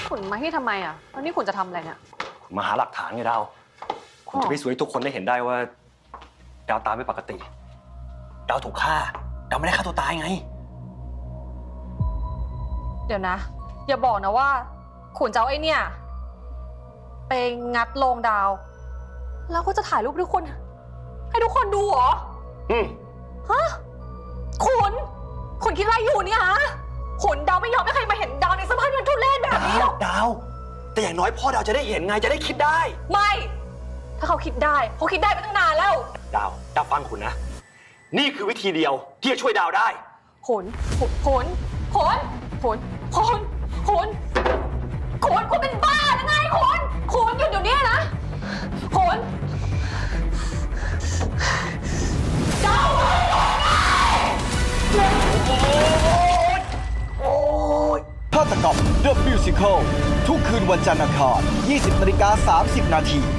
ขุนมาที่ทำไมอ่ะแล้วนี่ขุนจะทำอะไรเนี่ยมาหาหลักฐานไงดาวคุณจะพิสูจน์ให้ทุกคนได้เห็นได้ว่าดาวตายไม่ปกติ ดาวถูกฆ่า ดาวไม่ได้ฆ่าตัวตายไงเดี๋ยวนะ อย่าบอกนะว่าขุนจะเอาไอ้เนี่ยไปงัดโลงดาว แล้วก็จะถ่ายรูปให้ทุกคนดูเหรอฮะขุนคิดอะไรอยู่เนี่ยฮะขุนดาวไม่ยอมให้ใครมาเห็นดาวในสภาพมันทุเรศแบบนี้หรอกดาว แต่อย่างน้อยพ่อดาวจะได้เห็นไงจะได้คิดได้ไม่ ถ้าเขาคิดได้ไปตั้งนานแล้วดาวฟังคุณนะ นี่คือวิธีเดียวที่จะช่วยดาวได้ขุนคุณเป็นบ้าหรือไงขุนหยุดเดี๋ยวนี้นะขุนดาวฆาตกรรม The Musical ทุกคืนวันจันทร์อังคาร 20:30 นาที